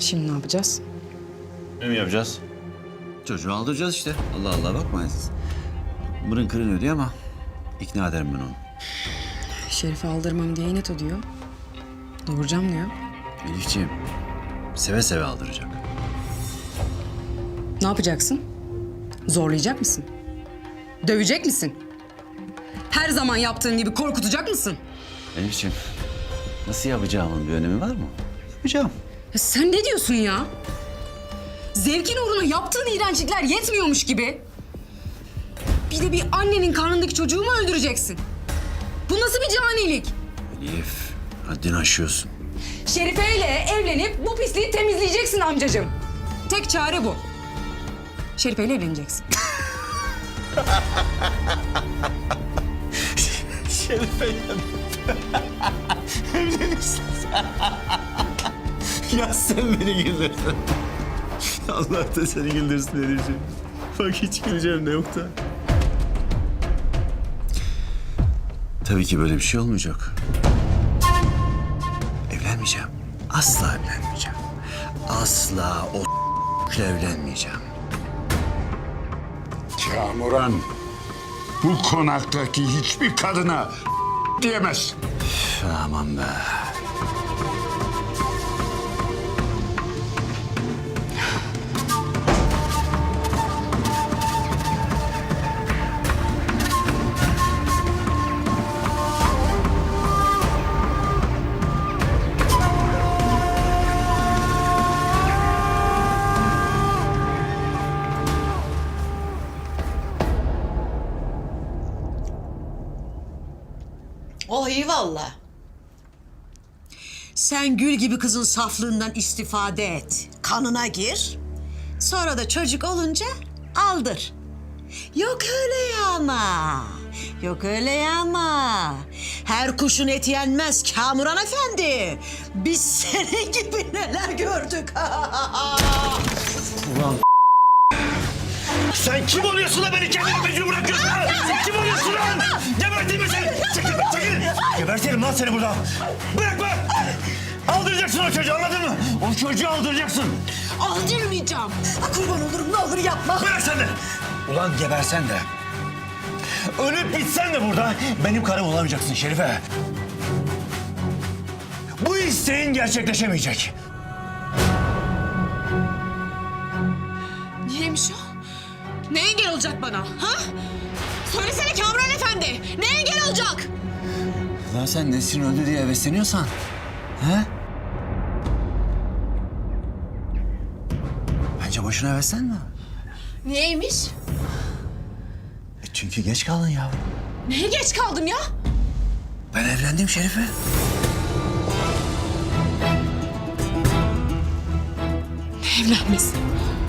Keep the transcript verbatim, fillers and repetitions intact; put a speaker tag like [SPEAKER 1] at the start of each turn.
[SPEAKER 1] Şimdi ne yapacağız?
[SPEAKER 2] Ne mi yapacağız?
[SPEAKER 3] Çocuğu aldıracağız işte. Allah Allah bakmayın siz. Mırın kırın ödüyor ama ikna ederim ben onu.
[SPEAKER 1] Şerif'i aldırmam diye inat ediyor. Doğuracağım diyor.
[SPEAKER 3] Elifciğim seve seve aldıracak.
[SPEAKER 1] Ne yapacaksın? Zorlayacak mısın? Dövecek misin? Her zaman yaptığın gibi korkutacak mısın?
[SPEAKER 3] Elifciğim nasıl yapacağımın bir önemi var mı? Yapacağım.
[SPEAKER 1] Ya sen ne diyorsun ya? Zevkin uğruna yaptığın iğrençlikler yetmiyormuş gibi. Bir de bir annenin karnındaki çocuğu mu öldüreceksin? Bu nasıl bir canilik?
[SPEAKER 3] Elif haddini aşıyorsun.
[SPEAKER 1] Şerife ile evlenip bu pisliği temizleyeceksin amcacığım. Tek çare bu. Şerife ile evleneceksin.
[SPEAKER 2] Şerife evlenirsin sen. Ya sen beni güldürdün. Allah da seni güldürsün Elif'ciğim. Bak hiç güleceğim de yok da.
[SPEAKER 3] Tabii ki böyle bir şey olmayacak. Evlenmeyeceğim. Asla evlenmeyeceğim. Asla o ile evlenmeyeceğim.
[SPEAKER 4] Kamuran, bu konaktaki hiçbir kadına diyemez.
[SPEAKER 3] Üf, aman be.
[SPEAKER 5] Oh iyi valla. Sen gül gibi kızın saflığından istifade et. Kanına gir. Sonra da çocuk olunca aldır. Yok öyle ya ama. Yok öyle ya ama. Her kuşun eti yenmez Kamuran Efendi. Biz senin gibi neler gördük.
[SPEAKER 2] Sen kim oluyorsun da beni kendine mecbur bırakıyorsun ha? Sen kim oluyorsun lan? Geberteyim mi seni? Çekil, çekil. Gebertelim lan seni burada. Bırakma. Aldıracaksın o çocuğu anladın mı? O çocuğu aldıracaksın.
[SPEAKER 5] Aldırmayacağım. Kurban olurum ne olur yapma.
[SPEAKER 2] Bırak sen de. Ulan gebersen de. Ölüp bitsen de burada benim karım olamayacaksın Şerife. Bu isteğin gerçekleşemeyecek.
[SPEAKER 1] Neymiş o? Ne engel olacak bana? Ha? Söylesene Kamuran Efendi. Ne engel olacak?
[SPEAKER 3] Lan sen Nesrin öldü diye hevesleniyorsan. He? Bence boşuna heveslenme.
[SPEAKER 1] Neymiş?
[SPEAKER 3] E çünkü geç kaldın yavrum.
[SPEAKER 1] Neye geç kaldım ya?
[SPEAKER 3] Ben evlendim Şerife.
[SPEAKER 1] Evlenmesin.